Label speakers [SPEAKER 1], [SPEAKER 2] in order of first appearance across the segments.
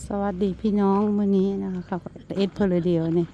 [SPEAKER 1] สวัสดีพี่น้องมื้อนี้นะคะเอ็ดเพลเดียวนี่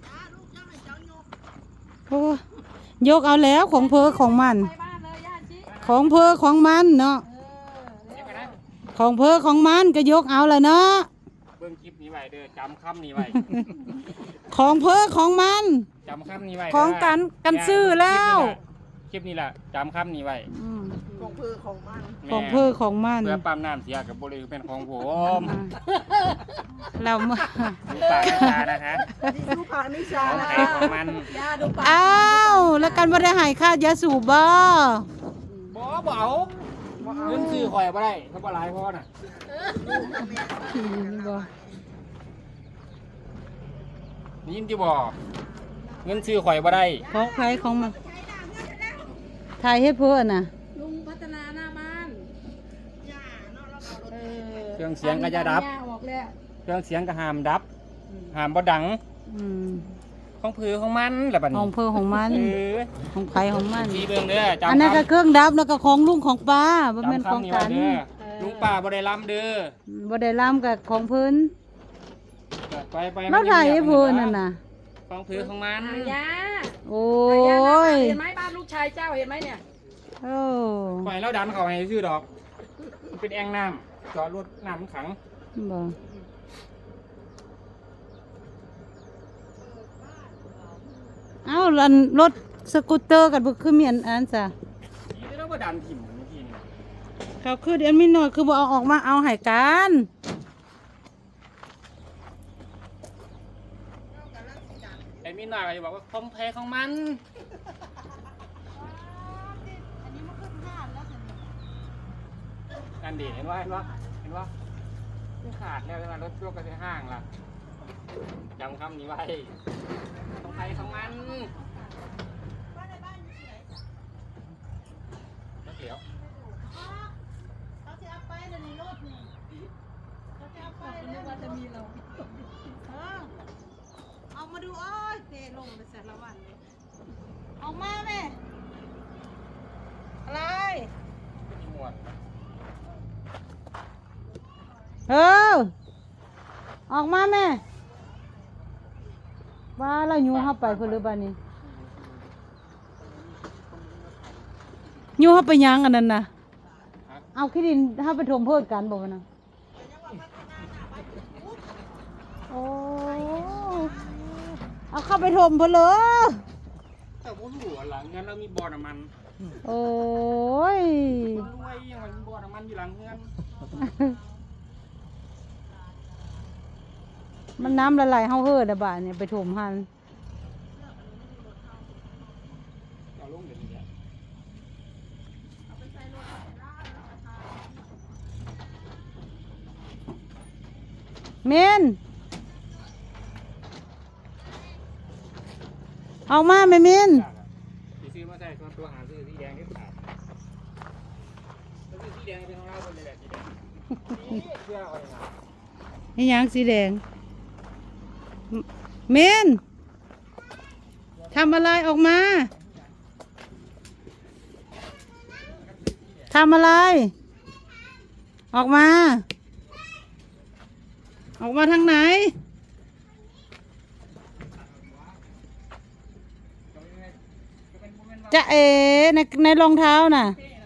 [SPEAKER 1] โอ้ยกเอาแล้วของเพอของมันของเพอของมันเนาะของเพอของมันก็ยกเอาแล้วเนาะ
[SPEAKER 2] เบิ่งคลิปนี้ไว้เด้อจำคำนี้ไว้
[SPEAKER 1] ของเพอของมัน
[SPEAKER 2] จำคำนี้ไว้
[SPEAKER 1] ของกันซื้อแล้ว
[SPEAKER 2] คลิปนี้แหละจำคำนี้ไว้
[SPEAKER 3] ของเพอของมัน
[SPEAKER 1] ของเพอของมัน
[SPEAKER 2] เพื่อปั๊มน้ำเสียกับบริเป็นของผม
[SPEAKER 1] เราเมื่อ
[SPEAKER 2] ดูปากนิชานะคะ
[SPEAKER 3] ดูปากนิชา
[SPEAKER 2] ของ
[SPEAKER 3] นะ
[SPEAKER 2] ใครของมัน
[SPEAKER 1] อ้าวแล้วกันบ่ได้หายค่ายาสูบบ่
[SPEAKER 2] บ่เอาเงินซื้อข่อยบ่ได้เขาบ่หลายพอน่ะนี่ยินที่บ่เงินซื้อข่อยบ่ได้
[SPEAKER 1] ของใครของมันถ่ายให้เพื่อนน่ะ
[SPEAKER 3] ลุงพัฒนาหน้าบ้าน
[SPEAKER 2] เครื่องเสียงก็จะดับเครื่องเสียงก็ห้ามดับห้ามบ่ดังของผือของมันแหละบัดนี้
[SPEAKER 1] ของเพอของมันของใครของมัน
[SPEAKER 2] สีเบิ่งเด้อจำ
[SPEAKER 1] อันนั้นก็เครื่องดับแล้วก็ของลุงของป้าบ่แม่นของกัน
[SPEAKER 2] ลุงป้าบ่ได้ล้ำเด้อ
[SPEAKER 1] บ่ได้ล้ำกับของเพิ่น
[SPEAKER 2] ไป
[SPEAKER 1] แล้วถ่ายให้เพิ่นนั่นน่ะ
[SPEAKER 2] ของผือของมัน
[SPEAKER 3] ยา
[SPEAKER 1] โอ้ย
[SPEAKER 3] เห็นไหมบ้านลูกชายเจ้าเห็นไหมเนี่ย
[SPEAKER 1] โอ้
[SPEAKER 2] ปล่อยแล้วดันเขาให้ซื้อดอกเป็นแอ่งน้ำจอดรถน้ำขัง
[SPEAKER 1] บ่เอ้ารถสกูตเตอร์กันบ่คือมีอันซะ
[SPEAKER 2] นี่เราบ่ดันถิ่มเมื่อกี้นี่
[SPEAKER 1] เขาคือเดี๋ยวมีหน่อยคือบ่เอาออกมาเอาให้กัน
[SPEAKER 2] ไอ้มีหน่อยก็จะบอกว่าคอมเพลของมันอันดีเห็นว่าไม่ขาดแล้วใช่ไหมรถช่วงก็จะห้างล่ะจำคำนี้ไว้ของใครของมันแล้วเดี๋ยว
[SPEAKER 3] เขาจะเอาไปในรถนี่เขาจะเอาไปแล้วว่าจะมีเราเอามาดูโอ้ยเทลงไปเสร็จแล้ววันนี้ออกมาแม่อะไร
[SPEAKER 2] มีหมวด
[SPEAKER 1] ออกมาแม่ว่าเราอยู่เข้าไปเพื่อหรือบ้านนี้อยู่เข้าไปยังอันนั้นนะเอาขี้ดินเข้าไปถมเพิ่มกันบอกนะโอ้เอาเข้าไปถมเพื่อเลย
[SPEAKER 2] แต่พวกหลัวหลังงั้นเรามีบ่อน้ำมัน
[SPEAKER 1] โอ้ย
[SPEAKER 2] รวยยังไงมีบ่อน้ำมันอยู่หลังเงิน
[SPEAKER 1] มันน้ำละลายเฮาเฮือดะบ่าเนี่ยไปถมหันเมนออกมาไหมเมน
[SPEAKER 2] ซื้อมาใส่ตัวหาซื้อสีแดงที่ขาดสีแดงเป็นของเราคนเลยแหละสีแดงเสื้ออะไรนะ
[SPEAKER 1] นี่ยังสีแดงเมนทำอะไรออกมาทำอะไรออกมาทางไหนจะในรองเท้าน่ะ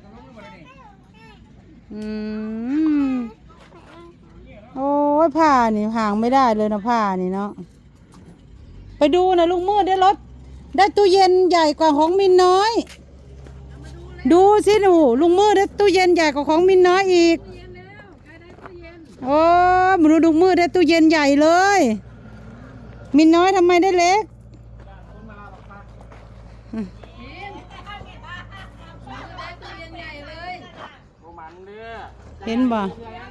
[SPEAKER 1] โอ้ยผ้านี่ห่างไม่ได้เลยนะผ้านี่เนาะไปดูนะลุงมืดได้รถได้ตู้เย็นใหญ่กว่าของมินน้อยดูสิหนูลุงมืดได้ตู้เย็นใหญ่กว่าของมินน้อยอีกโอ้มาดูลุงมืดได้ตู้เย็นใหญ่เลยมินน้อยทำไมได้เล็กเห็นบ่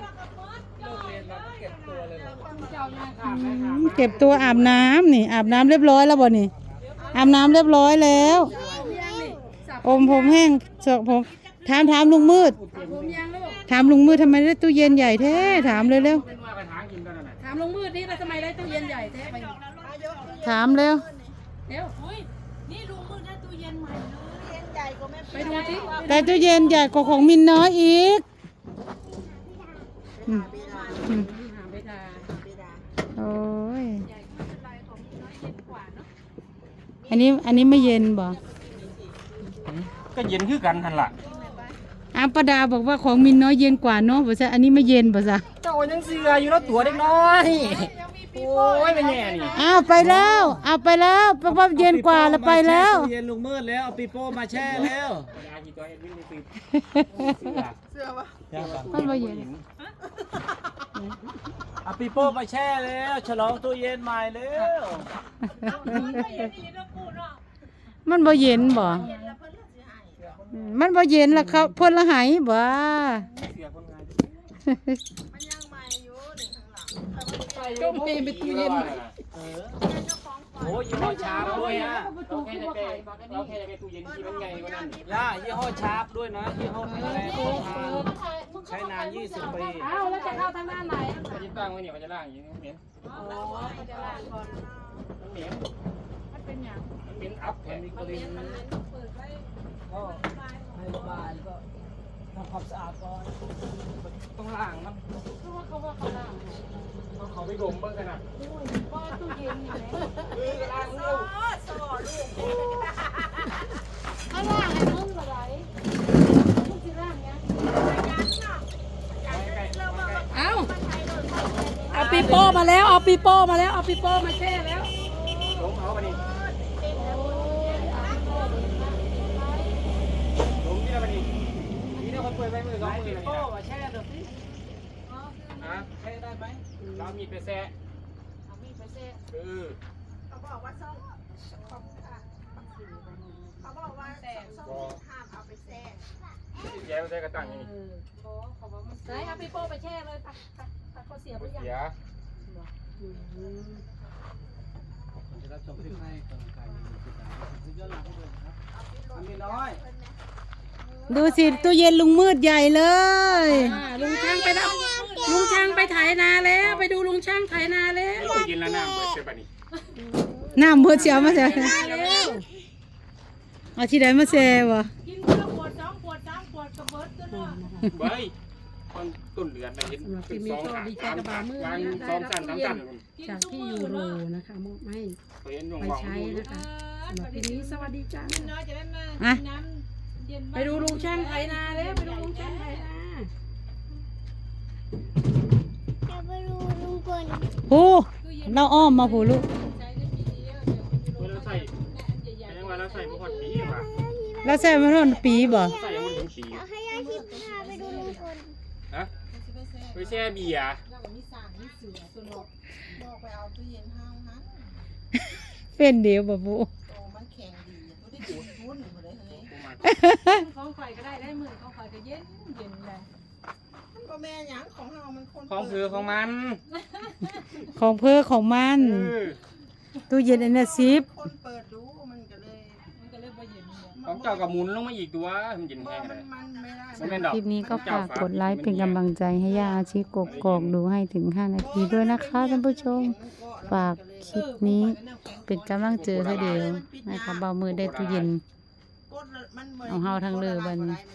[SPEAKER 1] เก็บตัวอาบน้ำนี่อาบน้ำเรียบร้อยแล้วบ่นี่อาบน้ำเรียบร้อยแล้วอมผมแห้งเสอกผมถามลุงมืดถามลุงมืดทำไมได้ตู้เย็นใหญ่แท้ถามเลยเร็ว
[SPEAKER 3] ถามลุงมืดนี่แล้วทำไมได้ตู้เย็นใหญ่แท้ไป
[SPEAKER 1] ถามเร็ว
[SPEAKER 3] นี่ลุงมืดได้ตู้เย็นใหม่เลยตู้เย็นใหญ่กว่าแม่ไปดูสิ
[SPEAKER 1] แต่ตู้เย็นใหญ่กว่าของมินน้อยอีก
[SPEAKER 3] เวลา
[SPEAKER 1] โอ้ย
[SPEAKER 3] ใหญ่ไม่เป็นไรของมีน้อยเย็นกว่าเนาะ
[SPEAKER 1] อันนี้ไม่เย็นบ่
[SPEAKER 2] ก็เย็นคือกันทันล่ะ
[SPEAKER 1] ป้าดาบอกว่าของมินน้อยเย็นกว่าเนาะบ่ซะอันนี้ไม่เย็นบ่ซะ
[SPEAKER 2] เจ้ายังเสืออยู่แล้วตัวเด็กน้อยโอ้ยเป็นแง่นี่
[SPEAKER 1] ไปแล้วไปแล้วเพราะว่าเย็นกว่าแล้วไปแล้ว
[SPEAKER 4] ตู้เย็นลุงมืดแล้วเอาปีโป้มาแช่แล้ว
[SPEAKER 2] เวลาที่ตัวเอ็ดวินนี่เสือ
[SPEAKER 1] มันบ่เย็น
[SPEAKER 4] เอาปีโป้มาแช่แล้วฉลองตู้เย็นใหม่แล้ว
[SPEAKER 1] มันบ่เย็นบ่มันบ่เย็นแล้วเขาเพิ่นละหายบ่
[SPEAKER 2] เสือคนงาน
[SPEAKER 3] ต้มเองเป็นตู้เย็น
[SPEAKER 4] โอ้ยยี่ห้อชาร์ปด้วยนะ
[SPEAKER 2] เราแค่จะไปตู้เย็นที่มันใหญ่กว่านั้น
[SPEAKER 4] ย่ายี่ห้อชาร์ปด้วยนะยี่ห้อแข็งแรงทนทานใช้นาน20 ปี
[SPEAKER 3] อ้าวแล้วจะเข้าทางด้านไหน
[SPEAKER 2] เขาจะตั้งไว้เนี่ยเขาจะล่างอย่างนี้มันเหม็น
[SPEAKER 3] อ๋อมันจะล้างก่อน
[SPEAKER 2] มันเหม็น
[SPEAKER 3] มันเป็นอย่าง
[SPEAKER 2] มันเหม็นอัพแผ่น
[SPEAKER 3] มันเป็นมันเปิดไว้
[SPEAKER 4] ก็ให้ระบายก็ทำความสะอาดก่อน
[SPEAKER 2] ต้องล่างมัน
[SPEAKER 3] คือว่าเขาล้าง
[SPEAKER 2] ต้องเขาไปดมเบิ่งกันนะ
[SPEAKER 3] ว่าตู้เย็นนี่แหละ
[SPEAKER 2] ล่างลูก
[SPEAKER 3] ถ้าล้างให้มึงอะไรมึงจะล้างยังเอาปีโป้มาแล้วเอาปีโป้มาแล้วเอาปีโป้มาแช่แล้ว
[SPEAKER 2] ลงเอาไปนี่ลงนี่แล้วไปนี่นี่เนี่ยคนเปิดไว้มือสอง
[SPEAKER 4] ให้
[SPEAKER 2] มื
[SPEAKER 4] ปี
[SPEAKER 2] อเลย
[SPEAKER 4] โป้
[SPEAKER 2] นะ
[SPEAKER 4] มาแช่เดี๋ยวสิ
[SPEAKER 2] ฮะ
[SPEAKER 4] แช่ได้ไหม
[SPEAKER 2] เรามีไปแซ่
[SPEAKER 3] เอามีดไปแช่
[SPEAKER 5] เขาบอกว่าส้มเขาบอกว่าส้มห้ามเอาไปแช่
[SPEAKER 2] แย่ใส่กระตังนี่
[SPEAKER 3] ไหนเอาปีโป้ไปแช่เลยไปเขาเสียไปยัง
[SPEAKER 2] เสีย
[SPEAKER 4] ผมจะรับชมคลิปให้กำลังใจย้อนหลังให้ด้วยนะครับอันนี้น้อย
[SPEAKER 1] ดูสิตู้เย็นลุงมืดใหญ่เลย
[SPEAKER 3] ลุงช่างไปแล้วลุงช่างไปไถนาแล้วไปดูลุงช่างไถนาแล้ว
[SPEAKER 2] ตู้เย็นแล้วน้ำเปิดเสียบนี่
[SPEAKER 1] น้ำเบิดเสียวมาแซ่
[SPEAKER 3] แล้ว
[SPEAKER 1] เอาที่ใดมาแซ่บ่
[SPEAKER 3] กินคนละขวด2 ขวด 3 ขวดกระเบิดก็เนาะ
[SPEAKER 2] เบ้ยต้นเดือนนะเห็นเป็น2 3 2สั่น3สั่น
[SPEAKER 6] จากที่ยูโรนะคะมอบให้
[SPEAKER 2] เห็นวง
[SPEAKER 6] ไป
[SPEAKER 2] วาง
[SPEAKER 6] ใช้นะคะสำหรับทีนี้สวัสดีจ้า
[SPEAKER 3] น้อยจะได้มาน้ำเย็น
[SPEAKER 6] ไปดูลุงช่างไถนาแล้วไปดูลุงช่างไถนา
[SPEAKER 5] จะไปดูลุงพล
[SPEAKER 1] โอ้เราอ้อมมาผู้ลูก
[SPEAKER 3] ใช้ได้ปีเดียวเดี๋ยว
[SPEAKER 2] เราใส่ยังว่าเราใส่บุหรี่ปีว่ะ
[SPEAKER 1] เราใส่มาทนปีบ่
[SPEAKER 2] ใส่ยังไม่ถึงปี
[SPEAKER 5] เอาให้ยายทิพย์พาไปดูลุงพล
[SPEAKER 2] ฮะไปแช่เบียร์
[SPEAKER 5] บอกไปเอาตู้เย็นห้างนั้น
[SPEAKER 1] เป็นเดียวบ่ผู้
[SPEAKER 5] โตมันแข็งดีตัวได้ดูดหุ้นหมดเลยเฮ้ย
[SPEAKER 3] ของข่อยก็ได้มือของข่อยก็เย็นเลย
[SPEAKER 5] มันก็แม่หยังของเฮามันคน
[SPEAKER 2] ของคือของมัน
[SPEAKER 1] ของเพื่อของมันตู้เย็นอันนี้ซิป
[SPEAKER 5] คนเปิดดูมันก็เลย
[SPEAKER 3] บ่เย็น
[SPEAKER 2] ของเจ้ากับหมุนลงมาอีกตัวมันยิน
[SPEAKER 5] เมื่
[SPEAKER 2] แห้
[SPEAKER 5] อง
[SPEAKER 2] เลย
[SPEAKER 5] มันไม่ได้
[SPEAKER 2] ไม่เป็นดอก
[SPEAKER 1] คลิปนี้ก็ฝากกดไลค์เป็นกำลังใจให้ย่าอาชีกกอกดูให้ถึง5 นาทีด้วยนะคะท่านผู้ชม ฝากคลิปนี้เป็นกำลังใจให้เดียวนะคะเบามือได้ตู้เย็น
[SPEAKER 5] กดแล้วมันบ่
[SPEAKER 1] เอาเฮาทางเรือบัดนี้